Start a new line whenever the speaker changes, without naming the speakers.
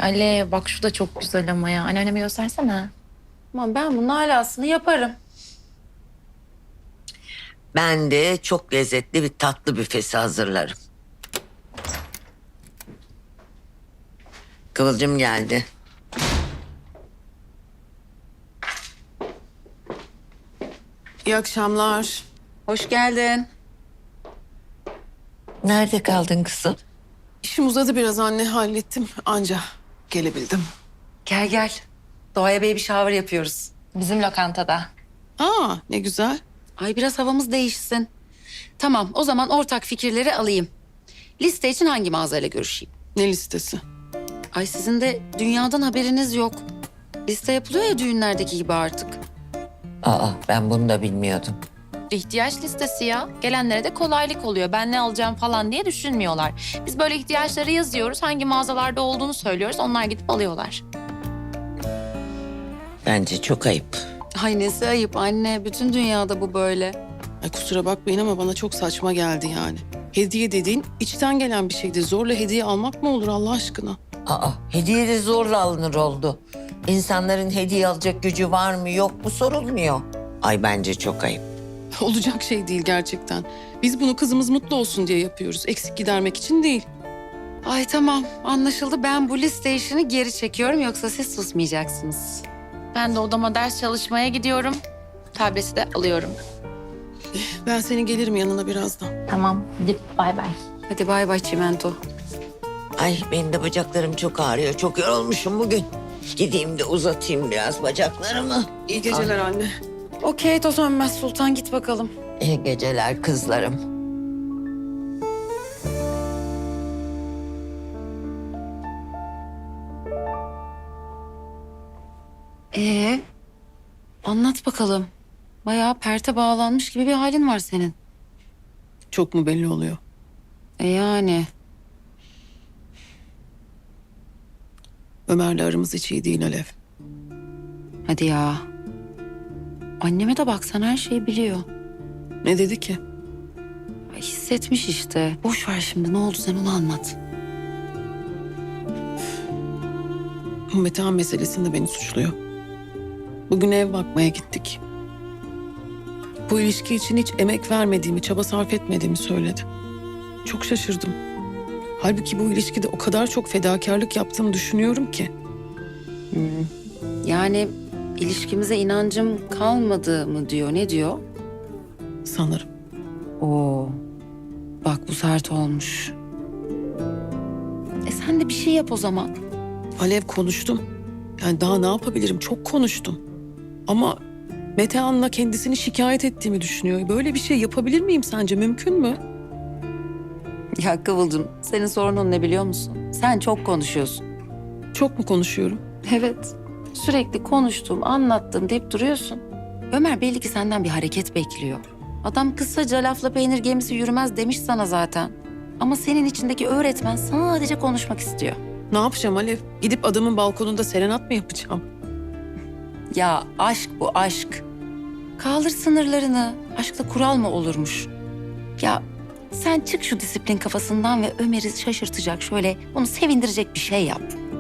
Alev bak şu da çok güzel ama ya. Anneanneme göstersene.
Aman ben bunun alasını yaparım.
Ben de çok lezzetli bir tatlı büfesi hazırlarım. Kıvılcım geldi.
İyi akşamlar.
Hoş geldin.
Nerede kaldın kızım?
İşim uzadı biraz anne, hallettim. Anca gelebildim.
Gel gel. Doğaya baby shower yapıyoruz.
Bizim lokantada.
Aa, ne güzel.
Ay biraz havamız değişsin. Tamam o zaman ortak fikirleri alayım. Liste için hangi mağazayla görüşeyim?
Ne listesi?
Ay sizin de dünyadan haberiniz yok. Liste yapılıyor ya düğünlerdeki gibi artık.
Aa, ben bunu da bilmiyordum.
İhtiyaç listesi ya. Gelenlere de kolaylık oluyor. Ben ne alacağım falan diye düşünmüyorlar. Biz böyle ihtiyaçları yazıyoruz. Hangi mağazalarda olduğunu söylüyoruz. Onlar gidip alıyorlar.
Bence çok ayıp.
Ay nesi ayıp anne. Bütün dünyada bu böyle.
Ay kusura bakmayın ama bana çok saçma geldi yani. Hediye dediğin içten gelen bir şeydi. Zorla hediye almak mı olur Allah aşkına?
Aa, hediye de zorla alınır oldu. İnsanların hediye alacak gücü var mı yok mu sorulmuyor. Ay bence çok ayıp.
Olacak şey değil gerçekten. Biz bunu kızımız mutlu olsun diye yapıyoruz. Eksik gidermek için değil.
Ay tamam anlaşıldı. Ben bu liste işini geri çekiyorum. Yoksa siz susmayacaksınız.
Ben de odama ders çalışmaya gidiyorum. Tableti de alıyorum.
Ben senin gelirim yanına birazdan.
Tamam. Hadi bay bay.
Hadi bay bay çimento.
Ay benim de bacaklarım çok ağrıyor. Çok yorulmuşum bugün. Gideyim de uzatayım biraz bacaklarımı.
İyi geceler anne.
Okey toz sönmez sultan git bakalım.
İyi geceler kızlarım.
Anlat bakalım. Bayağı perte bağlanmış gibi bir halin var senin.
Çok mu belli oluyor?
Yani.
Ömer'le aramız hiç iyi değil Alev.
Hadi ya. Anneme de bak sen her şeyi biliyor.
Ne dedi ki?
Ay, hissetmiş işte. Boş ver şimdi ne oldu sen onu anlat.
Metehan meselesinde beni suçluyor. Bugün ev bakmaya gittik. Bu ilişki için hiç emek vermediğimi, çaba sarf etmediğimi söyledi. Çok şaşırdım. Halbuki bu ilişkide o kadar çok fedakarlık yaptığımı düşünüyorum ki.
Yani ilişkimize inancım kalmadı mı diyor ne diyor?
Sanırım.
Oo. Bak bu sert olmuş. Sen de bir şey yap o zaman.
Alev konuştum. Yani daha ne yapabilirim? Çok konuştum. Ama Metehan'la kendisini şikayet ettiğimi düşünüyor. Böyle bir şey yapabilir miyim sence? Mümkün mü?
Ya Kıvılcım senin sorunun ne biliyor musun? Sen çok konuşuyorsun.
Çok mu konuşuyorum?
Evet. Sürekli konuştum, anlattım deyip duruyorsun. Ömer belli ki senden bir hareket bekliyor. Adam kısaca lafla peynir gemisi yürümez demiş sana zaten. Ama senin içindeki öğretmen sadece konuşmak istiyor.
Ne yapacağım Alev? Gidip adamın balkonunda serenat mı yapacağım?
Ya aşk bu aşk. Kaldır sınırlarını. Aşkta kural mı olurmuş? Ya sen çık şu disiplin kafasından ve Ömer'i şaşırtacak şöyle onu sevindirecek bir şey yap.